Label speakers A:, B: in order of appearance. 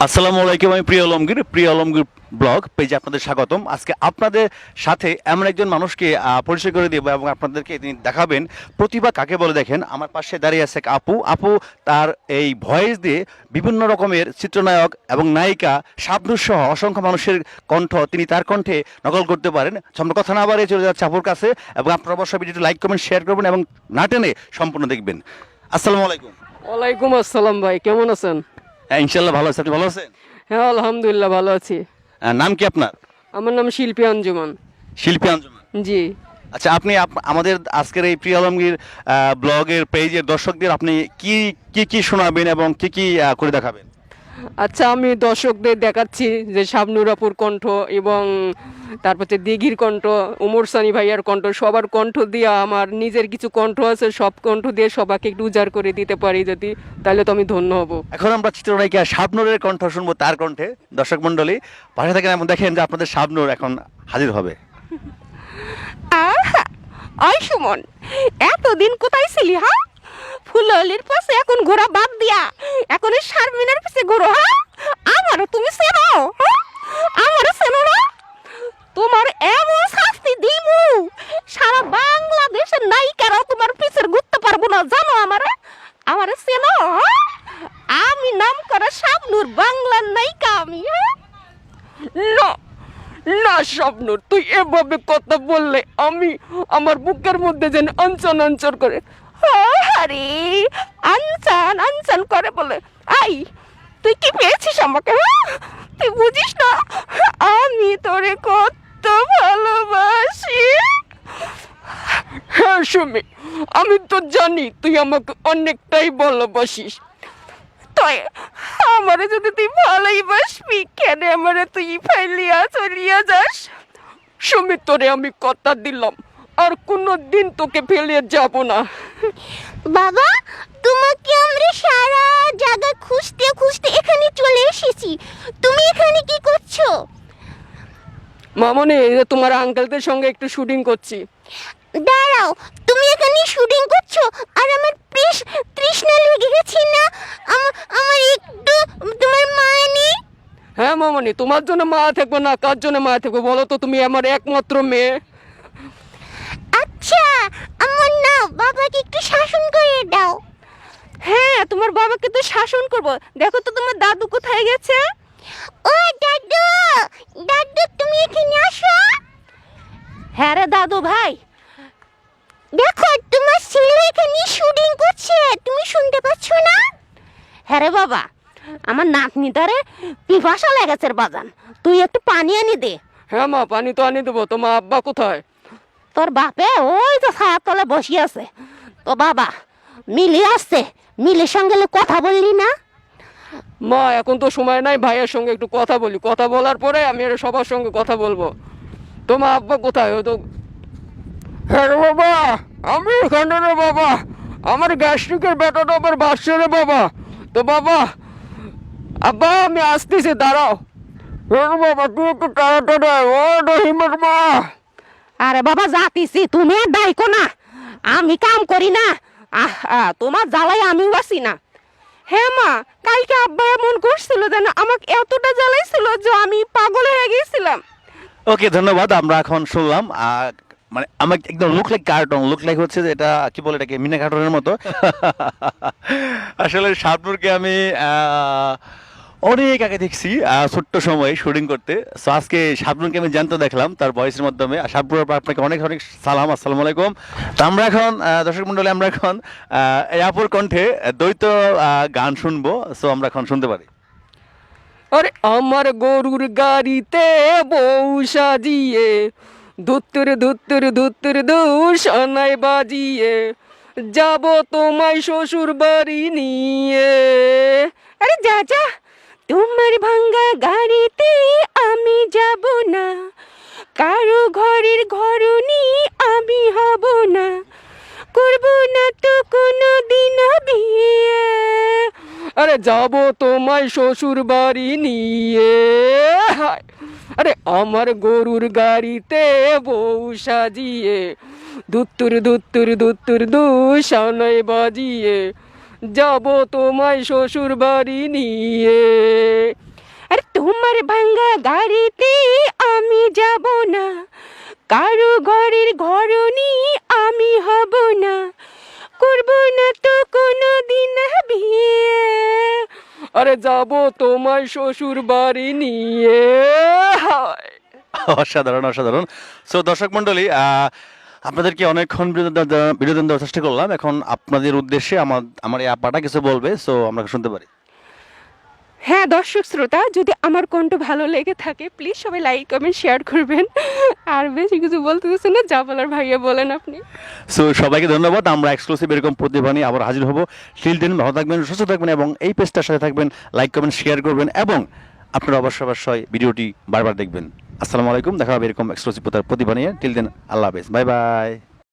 A: আসসালামু আলাইকুম। আমি প্রিয় আলমগীর ব্লগ পেজে আপনাদের স্বাগতম। আজকে আপনাদের সাথে এমন একজন মানুষকে পরিচয় করে দেব এবং আপনাদেরকে তিনি দেখাবেন প্রতিভা কাকে বলে। দেখেন, আমার পাশে দাঁড়িয়ে আছে এক আপু তার এই ভয়েস দিয়ে বিভিন্ন রকমের চিত্রনায়ক এবং নায়িকা শাবনূর সহ অসংখ্য মানুষের কণ্ঠ তিনি তার কণ্ঠে নকল করতে পারেন। আমরা কথা না বাড়িয়ে চলে যাচ্ছে আপুর কাছে এবং আপনারা অবশ্যই ভিডিওটি লাইক করবেন, শেয়ার করবেন এবং না টেনে সম্পূর্ণ দেখবেন। আসসালামু আলাইকুম।
B: ওয়ালাইকুম আসসালাম ভাই, কেমন আছেন?
A: হ্যাঁ, ইনশাল্লাহ ভালো আছি। আপনি ভালো আছেন?
B: হ্যাঁ আলহামদুলিল্লাহ ভালো আছি।
A: নাম কি আপনার?
B: আমার নাম শিল্পী আঞ্জুমান।
A: শিল্পী আঞ্জুমান।
B: জি।
A: আচ্ছা, আপনি আমাদের আজকের এই প্রিয় আলমগীর ব্লগের পেজের দর্শকদের আপনি কি কি কি শোনাবেন এবং কি কি করে দেখাবেন?
B: আচ্ছা, আমি দর্শকদের দেখাচ্ছি যে শাবনূর আপুর কণ্ঠ এবং তারপর হচ্ছে দিঘির কণ্ঠ, ওমর সানি ভাইয়ার কণ্ঠ, সবার কণ্ঠ দিয়ে আমার নিজের কিছু কণ্ঠ আছে, সব কণ্ঠ দিয়ে সবাইকে একটু উজাড় করে দিতে পারি যদি, তাহলে তো আমি ধন্য হব।
A: এখন আমরা চিত্রনায়িকা শাবনূরের কণ্ঠ শুনবো, তার কণ্ঠে। দর্শক মণ্ডলী পাশে থাকেন এবং দেখেন যে আপনাদের শাবনূর এখন হাজির হবে।
C: আই সুমন, এতদিন কোথায় ছিলি? হ্যাঁ, ফুললির পাশে এখন ঘোরা বাদ দিয়া এখন এই শারমিনের পাশে ঘোরো? হ্যাঁ, আমারও তুমি চেনো? হ্যাঁ, আমারও চেনো না? তোমার এমন শাস্তি দিমু সারা বাংলাদেশের নায়িকারাও তোমার পিছের ঘুরতে পারবো না, জানো? আমারে চেনো? হ্যাঁ? আমি নাম করা শাবনূর, বাংলার নায়িকা আমি। হ্যাঁ,
B: না না শাবনূর, তুই এভাবে কথা বললে আমি আমার বুকের মধ্যে যেন আনচান আনচান করে।
C: আরে আনসান আনসান করে বলে। আই, তুই কি পেয়েছিস আমাকে? হ্যাঁ? তুই বুঝিস না আমি তোরে কত ভালোবাসি।
B: হ্যাঁ সুমি, আমি তো জানি তুই আমাকে অনেকটাই ভালোবাসিস।
C: তুই আমারে যদি তুই ভালোই বাসবি, কেন আমারে তুই ফাইলিয়া চলিয়া যাস?
B: সুমি, তোরে আমি কথা দিলাম আর কোনো দিন তোকে ফেলে যাব না।
C: বাবা, তোমাকে আমরা সারা জায়গা খুঁজতে খুঁজতে এখানে চলে এসেছি, তুমি এখানে কি করছো?
B: মামনি, এই যে তোমার আঙ্কেলদের সঙ্গে একটু শুটিং করছি।
C: দাঁড়াও, তুমি এখানে শুটিং করছো আর আমার তৃষ্ণা লেগে গেছে না? আমার একটু তোমার মায় নেই?
B: হ্যাঁ মামনি, তোমার জন্য মা থাকবো না, কার জন্য মা থাকবো বলো তো? তুমি আমার একমাত্র মেয়ে।
C: আচ্ছা, আমার না বাবাকে একটু শাসন করে দাও। হ্যাঁ, তোমার বাবাকে তো শাসন করব। দেখো তো তোমার দাদু কোথায় গেছে? ও দাদু, দাদু তুমি এখানে আসো। হ্যাঁ রে দাদু ভাই, দেখো তোমার ছেলে এখানে শুটিং করছে, তুমি শুনতে পাচ্ছ না? হ্যাঁ রে বাবা, আমার নাতনি তারে পিপাসা লেগেছে বাজান, তুই একটু পানি এনে দে।
B: হ্যাঁ মা, পানি তো আনি দেবো। তোমার আব্বা কোথায়?
C: তোর বাপে ওই তো ছায়ার তলে বসে আছে। তো বাবা মিলি আসছে, মিলির সঙ্গে কথা বললি না?
B: মা, এখন তো সময় নাই, ভাইয়ের সঙ্গে একটু কথা বলি, কথা বলার পরে আমি আর সবার সঙ্গে কথা বলবো। তোমার আব্বা কোথায়? ও তো। হ্যাঁ রে বাবা, আমি এখানে রে বাবা, আমার গ্যাস্ট্রিকের ব্যাটাটা আবার বাসছে রে বাবা। তো বাবা, আব্বা আমি আসতেছি, দাঁড়াও। হ্যাঁ রে বাবা, তুই একটু তাড়াতাড়ি আয়। ও রহিমের মা।
C: আরে বাবা যাতিছি, তুমি আর ডাইকো না, আমি কাম করি না। তোমার জ্বালাই আমিও আছি না। হ্যাঁ মা, কালকে আব্বা এমন করছিল যেন আমাকে এতটা জ্বালাইছিল যে আমি পাগল হয়ে গেছিলাম।
A: ওকে, ধন্যবাদ। আমরা এখন শুনলাম মানে আমার একদম look like cartoon, look like হচ্ছে যে এটা কি বলে, এটাকে মিনা কার্টুনের মতো। আসলে শাবনূরকে আমি অনেক আগে দেখছি, ছোট্ট সময়ে শুটিং করতে। সো আজকে শাবনূরকে আমি জানতে দেখলাম তার ভয়েসের মাধ্যমে। শাবনূর, আপনাকে অনেক অনেক সালাম, আসসালামু আলাইকুম। তো আমরা এখন দর্শক মণ্ডলী, আমরা এখন এই আপুর কণ্ঠে দ্বৈত গান শুনবো। সো আমরা এখন শুনতে পারি।
B: আরে আমার গরুর গাড়িতে বউ সাজিয়ে ধুত্তুর ধুত্তুর ধুত্তুর দূষণায় বাজিয়ে যাব তোমায় শ্বশুর বাড়ি নিয়ে।
C: আরে যা যা, তোমার ভাঙ্গা গাড়িতে আমি যাব না, কারো ঘরের ঘরনি আমি হব না, করব না তো কোনো দিন বিয়ে।
B: আরে যাব তোমায় শ্বশুর বাড়ি নিয়ে। হায়! আরে আমার গরুর গাড়িতে বউ সাজিয়ে ধুত্তুর ধুত্তুর ধুত্তুর দূষণায় বাজিয়ে যাব তোমায় শ্বশুর বাড়ি নিয়ে।
C: তোমার ভাঙ্গা গাড়িতে আমি যাব না, কারো ঘরের ঘরনি আমি হব না, করব না তো কোনো দিন বিয়ে।
B: আরে যাব তোমার শ্বশুর বাড়ি নিয়ে। হায়।
A: অসাধারণ অসাধারণ। সো দর্শক মণ্ডলী, আপনাদেরকে অনেকক্ষণ বিনোদন দেওয়ার চেষ্টা করলাম। এখন আপনাদের উদ্দেশ্যে আমার এই আপাটা কিছু বলবে, সো আমরা শুনতে পারি।
C: হ্যাঁ দর্শক শ্রোতা, যদি আমার কণ্ঠ ভালো লেগে থাকে প্লিজ সবাই লাইক কমেন্ট শেয়ার করবেন। আর বেশি কিছু বলতে হচ্ছে না, যা বলার ভাইয়া বলেন আপনি।
A: সো সবাইকে ধন্যবাদ। আমরা এক্সক্লুসিভ এরকম প্রতিভা নিয়ে আবার হাজির হব। টিল দেন ভালো থাকবেন, সুস্থ থাকবেন এবং এই পেজটার সাথে থাকবেন, লাইক কমেন্ট শেয়ার করবেন এবং আপনারা অবশ্যই ভিডিওটি বারবার দেখবেন। আসসালামু আলাইকুম, দেখা হবে এরকম এক্সক্লুসিভ প্রতিভা নিয়ে। টিল দেন, আল্লাহ হাফেজ, বাই বাই।